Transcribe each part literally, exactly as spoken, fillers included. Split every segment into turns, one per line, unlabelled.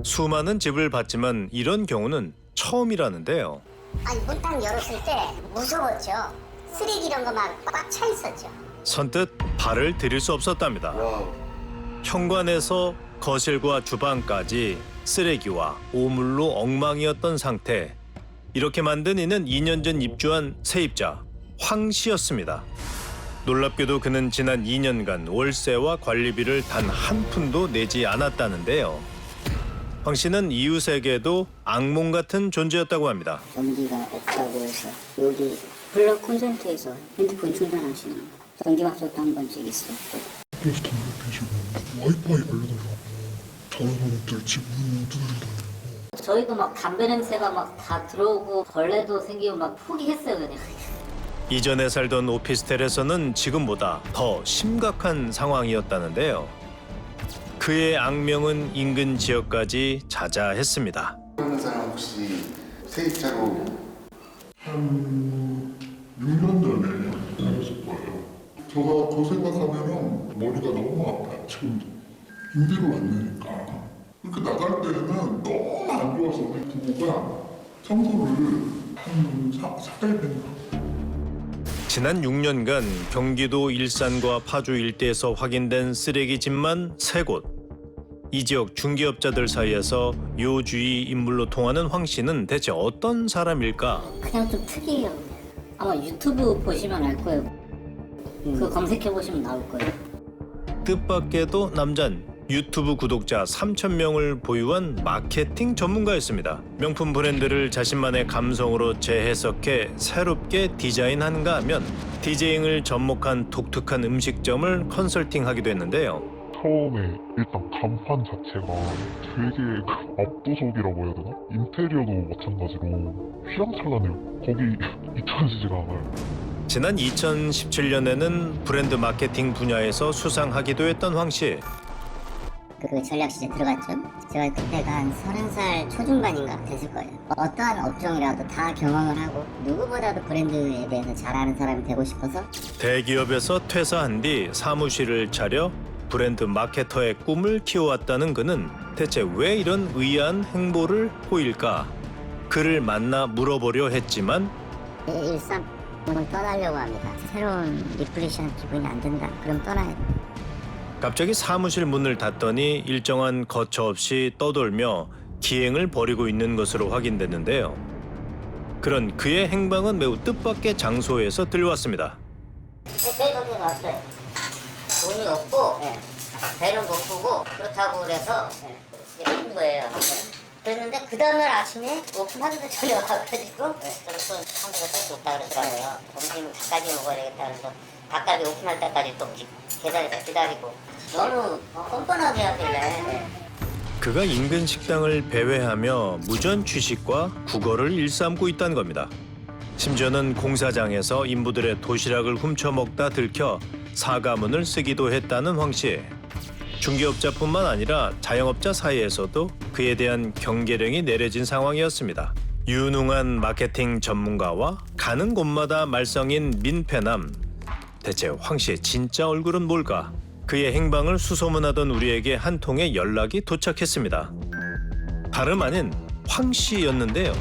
수많은 집을 봤지만 이런 경우는 처음이라는데요.
아니 문 딱 열었을 때 무서웠죠. 쓰레기 이런 거 막 꽉 차 있었죠.
선뜻 발을 들일 수 없었답니다. 현관에서 거실과 주방까지 쓰레기와 오물로 엉망이었던 상태. 이렇게 만든 이는 이 년 전 입주한 세입자 황 씨였습니다. 놀랍게도 그는 지난 이 년간 월세와 관리비를 단 한 푼도 내지 않았다는데요. 황 씨는 이웃에게도 악몽 같은 존재였다고 합니다.
전기가 없다고 해서 여기 블럭 콘센트에서 핸드폰 충전하시는 전기밥솥도 한 번씩 있어요.
그래서 담배 피시고 와이파이 알려달라고 다른 사람들 집 문 두드리다니고.
저희도 막 담배 냄새가 막 다 들어오고 벌레도 생기고 막 포기했어요 그냥.
이전에 살던 오피스텔에서는 지금보다 더 심각한 상황이었다는데요. 그의 악명은 인근 지역까지 자자했습니다.
그런 사람 혹시 세입자로
한 육 년 전에 다녔을 거예요. 제가 그 생각하면은 머리가 너무 아파요. 지금도 임대료 안 내니까. 그렇게 나갈 때는 너무 안 좋아서 우리 부부가 청소를 한 사 일 했나.
지난 육 년간 경기도 일산과 파주 일대에서 확인된 쓰레기집만 세 곳. 이 지역 중개업자들 사이에서 요주의 인물로 통하는 황 씨는 대체 어떤 사람일까?
그냥 좀 특이해요. 아마 유튜브 보시면 알 거예요. 그거 검색해 보시면 나올 거예요.
뜻밖에도 남잔 유튜브 구독자 삼천 명을 보유한 마케팅 전문가였습니다. 명품 브랜드를 자신만의 감성으로 재해석해 새롭게 디자인한가 하면 디제잉을 접목한 독특한 음식점을 컨설팅하기도 했는데요.
처음에 일단 간판 자체가 되게 압도적이라고 해야 되나? 인테리어도 마찬가지로 휘황찬란해요. 거기 잊혀지지가 않아요.
지난 이천십칠 년에는 브랜드 마케팅 분야에서 수상하기도 했던 황 씨.
그 전략 시즌 들어갔죠. 제가 그때가 한 서른 살 초중반인가 됐을 거예요. 어떠한 업종이라도 다 경험을 하고 누구보다도 브랜드에 대해서 잘 아는 사람이 되고 싶어서
대기업에서 퇴사한 뒤 사무실을 차려 브랜드 마케터의 꿈을 키워왔다는 그는 대체 왜 이런 의아한 행보를 보일까? 그를 만나 물어보려 했지만
일산 오늘 떠나려고 합니다. 새로운 리플레이션 기분이 안 든다. 그럼 떠나야 돼.
갑자기 사무실 문을 닫더니 일정한 거처 없이 떠돌며 기행을 벌이고 있는 것으로 확인됐는데요. 그런 그의 행방은 매우 뜻밖의 장소에서 들려왔습니다.
저희 동네에 왔어요. 돈이 없고 배는 고프고 그렇다고 그래서 한 거예요. 그랬는데 그 다음날 아침에 오픈하는데 전혀 와가지고 저는 상대가 쓸수 없다 그러더라고요. 점심 닭갈비 먹어야 되겠다 그래서 닭갈비 오픈할 때까지 또 계단에서 기다리고 너무 뻔뻔하게 하길래
그가 인근 식당을 배회하며 무전 취식과 국어를 일삼고 있다는 겁니다. 심지어는 공사장에서 인부들의 도시락을 훔쳐먹다 들켜 사과문을 쓰기도 했다는 황 씨. 중개업자뿐만 아니라 자영업자 사이에서도 그에 대한 경계령이 내려진 상황이었습니다. 유능한 마케팅 전문가와 가는 곳마다 말썽인 민폐남. 대체 황 씨의 진짜 얼굴은 뭘까? 그의 행방을 수소문하던 우리에게 한 통의 연락이 도착했습니다. 다름 아닌 황 씨였는데요.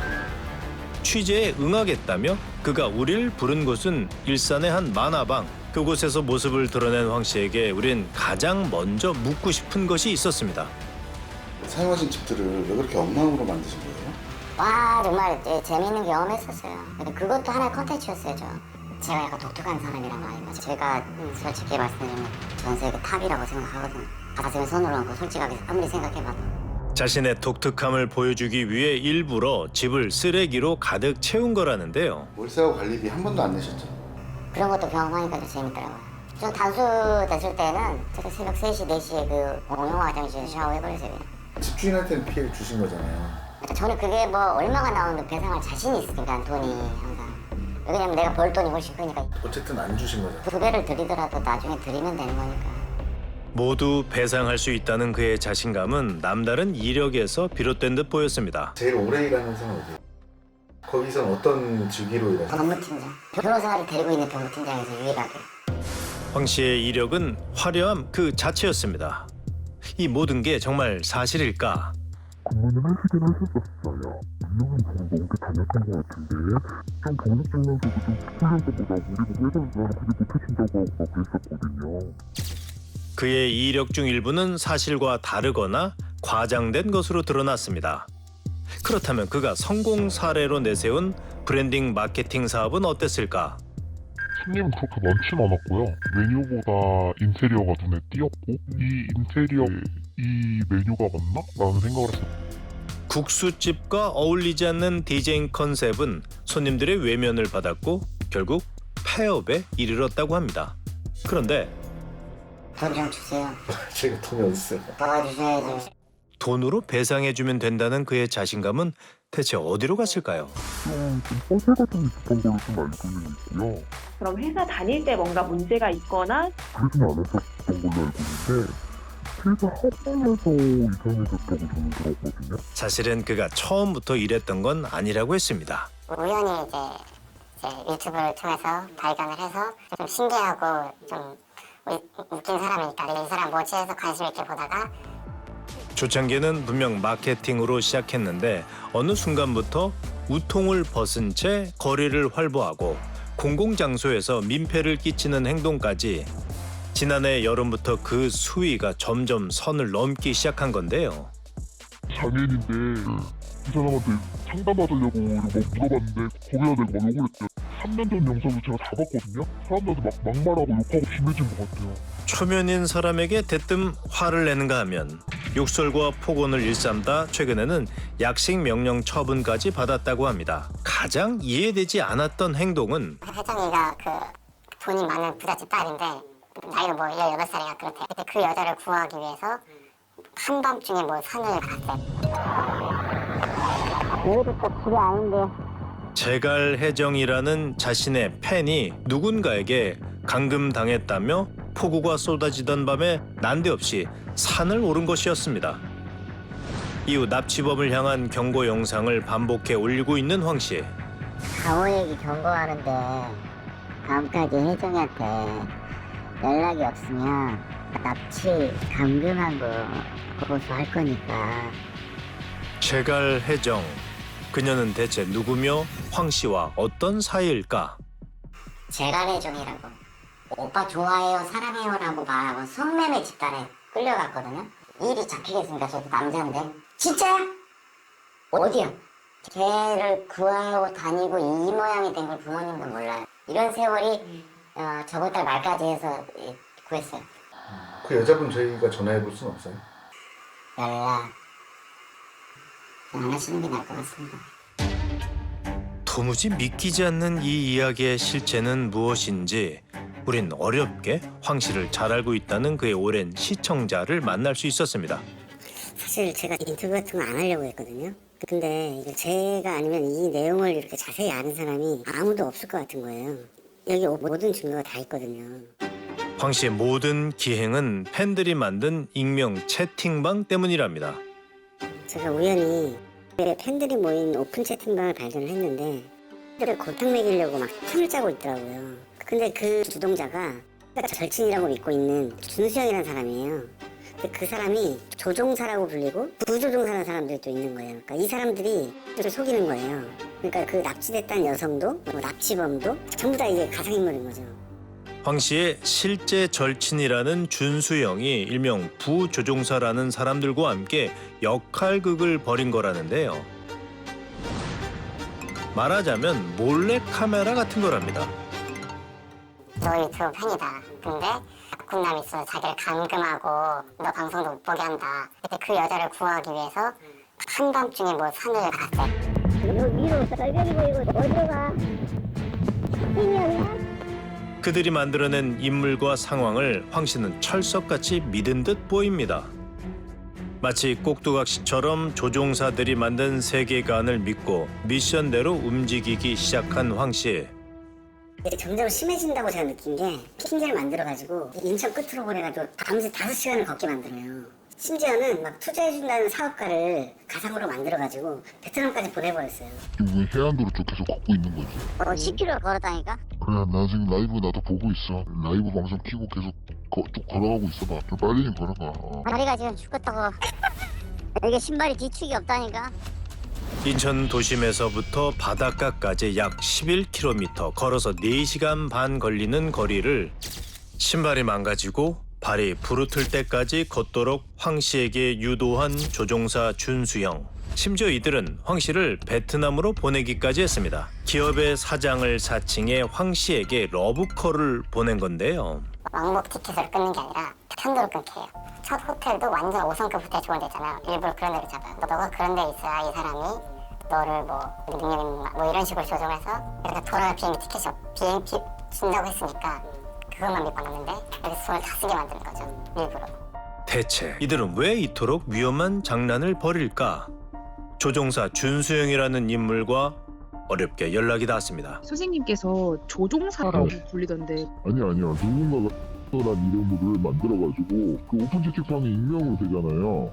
취재에 응하겠다며 그가 우리를 부른 곳은 일산의 한 만화방. 그곳에서 모습을 드러낸 황 씨에게 우린 가장 먼저 묻고 싶은 것이 있었습니다.
사용하신 집들을 왜 그렇게 엉망으로 만드신 거예요?
와 정말 예, 재미있는 경험했었어요. 근데 그것도 하나의 컨텐츠였어요. 저. 제가 약간 독특한 사람이란 말이에요. 제가 솔직히 말씀드리면 전세계 탑이라고 생각하거든요. 가슴에 손을 얹고 솔직하게 아무리 생각해봐도.
자신의 독특함을 보여주기 위해 일부러 집을 쓰레기로 가득 채운 거라는데요.
월세와 관리비 한 번도 안 내셨죠?
그런 것도 경험하니까 좀 재밌더라고요. 좀 단수됐을 때는 제가 새벽 세 시, 네 시에 그 공용 화장실 샤워해버렸어요.
집주인한테는 피해를 주신 거잖아요.
저는 그게 뭐 얼마가 나오는 배상할 자신이 있으니까 돈이 항상. 왜냐면 내가 벌 돈이 훨씬 크니까
어쨌든 안 주신 거잖아요.
두 배를 드리더라도 나중에 드리면 되는 거니까.
모두 배상할 수 있다는 그의 자신감은 남다른 이력에서 비롯된 듯 보였습니다.
제일 오래 일하는 회사는 어디예요? 거기선 어떤 직위로 일하세요?
법무팀장. 변호사를 데리고 있는 법무팀장에서 유일하게.
황 씨의 이력은 화려함 그 자체였습니다. 이 모든 게 정말 사실일까?
근무는 하시긴 하셨었어요. 이 년은 좀 넘게 다녔던 것 같은데 좀 경력증명서도 좀 훈련서보다 우리 보고 회사에서 그게 못하신다고 막 그랬었거든요.
그의 이력 중 일부는 사실과 다르거나 과장된 것으로 드러났습니다. 그렇다면 그가 성공 사례로 내세운 브랜딩 마케팅 사업은 어땠을까?
손님은 그렇게 많진 않았고요. 메뉴보다 인테리어가 눈에 띄었고 이 인테리어 이 메뉴가 맞나? 라는 생각을 했어요.
국수집과 어울리지 않는 디제잉 컨셉은 손님들의 외면을 받았고 결국 폐업에 이르렀다고 합니다. 그런데
돈 좀 주세요.
제가 돈이 어딨어요?
도와주셔야죠.
돈으로 배상해주면 된다는 그의 자신감은 대체 어디로 갔을까요?
좀 허세 같은 게 있었던 걸로 좀 알고는 있고요.
그럼 회사 다닐 때 뭔가 문제가 있거나
그러진 않았었던 걸로 알고 있는데 회사 학원에서 이상해졌다고 저는 들었거든요.
사실은 그가 처음부터 이랬던 건 아니라고 했습니다.
우연히 이제, 이제 유튜브를 통해서 발견을 해서 좀 신기하고 좀 우- 웃긴 사람이니까 이 사람 뭐지 해서 관심 있게 보다가
초창기에는 분명 마케팅으로 시작했는데 어느 순간부터 우통을 벗은 채 거리를 활보하고 공공장소에서 민폐를 끼치는 행동까지 지난해 여름부터 그 수위가 점점 선을 넘기 시작한 건데요.
장애인인데 이 사람한테 상담받으려고 막 물어봤는데 거기다 대고 막 욕을 했대요. 삼 년 전 영상도 제가 다 봤거든요. 사람들한테 막 막말하고 욕하고 심해진 것 같아요.
초면인 사람에게 대뜸 화를 내는가 하면 욕설과 폭언을 일삼다 최근에는 약식 명령 처분까지 받았다고 합니다. 가장 이해되지 않았던 행동은
혜정이가 그 돈이 많은 부잣집 딸인데 나이가 뭐 열여덟 살이가 그렇대. 근데 그 여자를 구하기 위해서 한밤중에 뭐 산을 갔대. 여기도 또 집이 아닌데.
제갈혜정이라는 자신의 팬이 누군가에게 감금당했다며 폭우가 쏟아지던 밤에 난데없이 산을 오른 것이었습니다. 이후 납치범을 향한 경고 영상을 반복해 올리고 있는 황 씨.
강호에게 경고하는데 다음까지 혜정이한테 연락이 없으면 납치 감금한 거 고소할 거니까.
제갈혜정. 그녀는 대체 누구며 황 씨와 어떤 사이일까?
제갈혜정이라고 오빠 좋아해요 사랑해요라고 말하고 성매매 집단에 끌려갔거든요. 일이 잡히겠습니까? 저도 남자인데. 진짜야? 어디야? 걔를 구하고 다니고 이 모양이 된 걸 부모님도 몰라요. 이런 세월이 어, 저번 달 말까지 해서 예, 구했어요.
그 여자분 저희가 전화해 볼 수는 없어요?
연락 안 하시는 게 나을 것 같습니다.
도무지 믿기지 않는 이 이야기의 실체는 무엇인지 우린 어렵게 황 씨를 잘 알고 있다는 그의 오랜 시청자를 만날 수 있었습니다.
사실 제가 인터뷰 같은 거 안 하려고 했거든요. 근데 이거 제가 아니면 이 내용을 이렇게 자세히 아는 사람이 아무도 없을 것 같은 거예요. 여기 모든 증거가 다 있거든요.
황 씨의 모든 기행은 팬들이 만든 익명 채팅방 때문이랍니다.
제가 우연히 팬들이 모인 오픈 채팅방을 발견을 했는데 팬들을 골탕 먹이려고 막 틈을 짜고 있더라고요. 근데 그 주동자가 절친이라고 믿고 있는 준수형이라는 사람이에요. 근데 그 사람이 조종사라고 불리고 부조종사라는 사람들도 있는 거예요. 그러니까 이 사람들이 를 속이는 거예요. 그러니까 그 납치됐다는 여성도 뭐 납치범도 전부 다 이게 가상인물인 거죠.
황 씨의 실제 절친이라는 준수영이 일명 부조종사라는 사람들과 함께 역할극을 벌인 거라는데요. 말하자면 몰래 카메라 같은 거랍니다.
너 유튜브 팬이다. 근데 군남이 있어 자기를 감금하고 너 방송도 못 보게 한다. 근데 그 여자를 구하기 위해서 한밤중에 뭐 산을 갔대. 너 위로 썰별이 보이고 어디로 가? 신이었나?
그들이 만들어낸 인물과 상황을 황 씨는 철석같이 믿은 듯 보입니다. 마치 꼭두각시처럼 조종사들이 만든 세계관을 믿고 미션대로 움직이기 시작한 황 씨.
점점 심해진다고 제가 느낀 게 핑계를 만들어가지고 인천 끝으로 보내가지고 밤새 다섯 시간을 걷게 만들어요. 심지어는 막 투자해준다는 사업가를 가상으로 만들어가지고 베트남까지 보내버렸어요.
지금 왜 해안도로 쪽 계속 걷고 있는 거지?
어, 십 킬로미터 걸었다니까?
그래, 나 지금 라이브 나도 보고 있어. 라이브 방송 키고 계속 거, 쭉 걸어가고 있어 봐. 좀 빨리 좀 걸어가. 어.
다리가 지금 죽겠다고. 이게 신발이 뒤축이 없다니까.
인천 도심에서부터 바닷가까지 약 십일 킬로미터 걸어서 네 시간 반 걸리는 거리를 신발이 망가지고 발이 부르틀 때까지 걷도록 황 씨에게 유도한 조종사 준수형. 심지어 이들은 황 씨를 베트남으로 보내기까지 했습니다. 기업의 사장을 사칭해 황 씨에게 러브콜을 보낸 건데요.
왕복 티켓을 끊는 게 아니라 편도로 끊게요. 첫 호텔도 완전 오 성급 호텔 좋은 데 있잖아요. 일부러 그런 데를 잡아요. 너가 그런 데 있어야 이 사람이 너를 뭐 닉네임 뭐 이런 식으로 조종해서 이렇게 돌아갈 비행기 티켓이 비행기 준다고 했으니까 그것만 믿고 왔는데 이렇게 손을 다 쓰게 만드는 거죠. 일부러.
대체 이들은 왜 이토록 위험한 장난을 벌일까? 조종사 준수형이라는 인물과 어렵게 연락이 닿았습니다.
선생님께서 조종사라고 불리던데
아니 아니야. 누군가가 라는 이름을 만들어가지고 그 오픈 채팅방에 익명으로 되잖아요.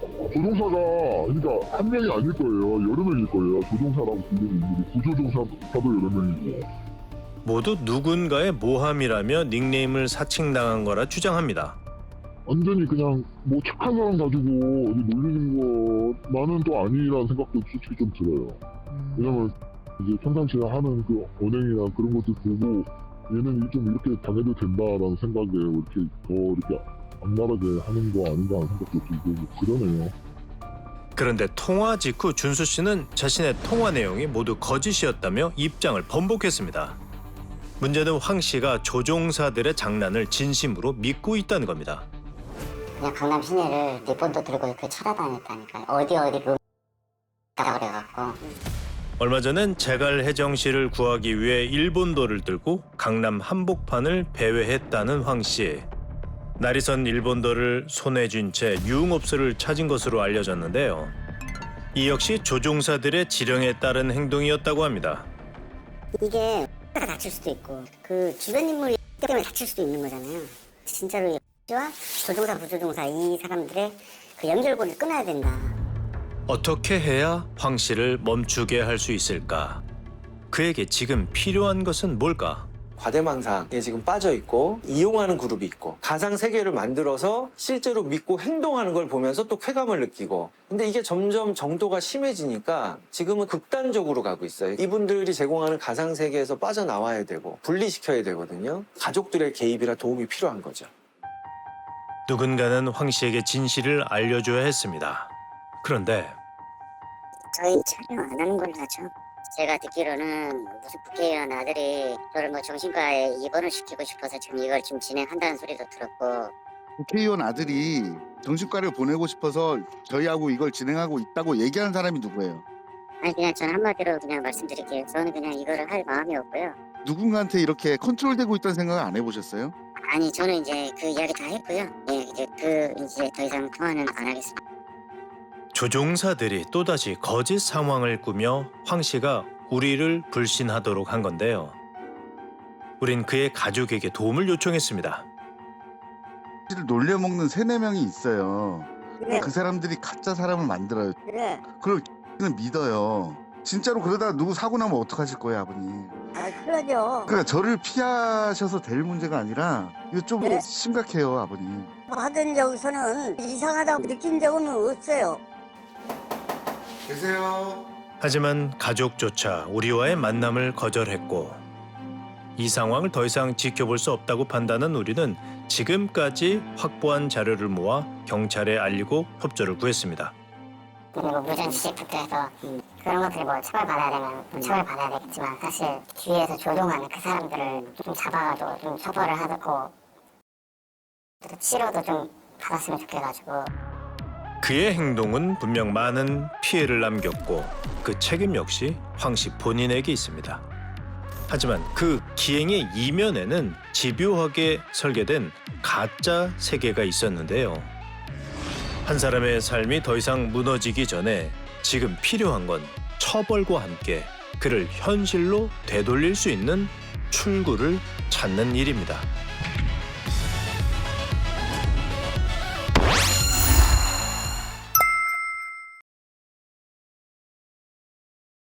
조종사가 그러니까 한 명이 아닐 거예요. 여러 명일 거예요. 조종사라고 불리는 인물이 부조종사도 여러 명이고.
모두 누군가의 모함이라며 닉네임을 사칭당한 거라 주장합니다.
완전히 그냥 뭐 착한 사람 가지고 어디 놀리는 거 나는 또 아니라는 생각도 솔직히 좀 들어요. 왜냐면 이제 평상시에 하는 그 언행이나 그런 것들 보고 얘는 좀 이렇게 당해도 된다라는 생각에 이렇게 더 이렇게 악랄하게 하는 거 아닌가 하는 생각도 들고 그러네요.
그런데 통화 직후 준수 씨는 자신의 통화 내용이 모두 거짓이었다며 입장을 번복했습니다. 문제는 황 씨가 조종사들의 장난을 진심으로 믿고 있다는 겁니다.
그냥 강남 시내를 리본도 들고 이렇게 찾아다녔다니까요. 어디 어디 그 X다 그래갖고.
얼마 전엔 제갈 혜정 씨를 구하기 위해 일본도를 들고 강남 한복판을 배회했다는 황 씨. 날이 선 일본도를 손에 쥔 채 유흥업소를 찾은 것으로 알려졌는데요. 이 역시 조종사들의 지령에 따른 행동이었다고 합니다.
이게 가 다칠 수도 있고 그 주변 인물이 때문에 다칠 수도 있는 거잖아요. 진짜로 X와 조종사 부조종사 이 사람들의 그 연결고리를 끊어야 된다.
어떻게 해야 황 씨를 멈추게 할 수 있을까? 그에게 지금 필요한 것은 뭘까?
과대망상에 지금 빠져 있고 이용하는 그룹이 있고 가상 세계를 만들어서 실제로 믿고 행동하는 걸 보면서 또 쾌감을 느끼고 근데 이게 점점 정도가 심해지니까 지금은 극단적으로 가고 있어요. 이분들이 제공하는 가상 세계에서 빠져나와야 되고 분리시켜야 되거든요. 가족들의 개입이나 도움이 필요한 거죠.
누군가는 황 씨에게 진실을 알려줘야 했습니다. 그런데
저희 촬영 안 하는 걸로 하죠. 제가 듣기로는 무슨 국회의원 아들이 저를 뭐 정신과에 입원을 시키고 싶어서 지금 이걸 지금 진행한다는 소리도 들었고.
국회의원 아들이 정신과를 보내고 싶어서 저희하고 이걸 진행하고 있다고 얘기하는 사람이 누구예요?
아니 그냥 저는 한마디로 그냥 말씀드릴게요. 저는 그냥 이거를 할 마음이 없고요.
누군가한테 이렇게 컨트롤되고 있다는 생각을 안 해보셨어요?
아니 저는 이제 그 이야기 다 했고요. 예, 이제 그 이제 더 이상 통화는 안 하겠습니다.
조종사들이 또다시 거짓 상황을 꾸며 황 씨가 우리를 불신하도록 한 건데요. 우린 그의 가족에게 도움을 요청했습니다.
놀려먹는 세네 명이 있어요.
그래.
그 사람들이 가짜 사람을 만들어요.
그래.
그걸 는 믿어요. 진짜로 그러다가 누구 사고 나면 어떡하실 거예요, 아버님?
아 그러죠.
그러니까 저를 피하셔서 될 문제가 아니라 이거 좀
그래.
심각해요, 아버님.
하던 적에서는 이상하다고 느낀 적은 없어요.
계세요.
하지만 가족조차 우리와의 만남을 거절했고 이 상황을 더 이상 지켜볼 수 없다고 판단한 우리는 지금까지 확보한 자료를 모아 경찰에 알리고 협조를 구했습니다.
그리고 무전취식부터 해서 그런 것들이 뭐 처벌받아야 되면 뭐 처벌받아야 되겠지만 사실 뒤에서 조종하는 그 사람들을 좀 잡아가지고 좀 처벌을 하고 또 치료도 좀 받았으면 좋겠어가지고.
그의 행동은 분명 많은 피해를 남겼고 그 책임 역시 황 씨 본인에게 있습니다. 하지만 그 기행의 이면에는 집요하게 설계된 가짜 세계가 있었는데요. 한 사람의 삶이 더 이상 무너지기 전에 지금 필요한 건 처벌과 함께 그를 현실로 되돌릴 수 있는 출구를 찾는 일입니다.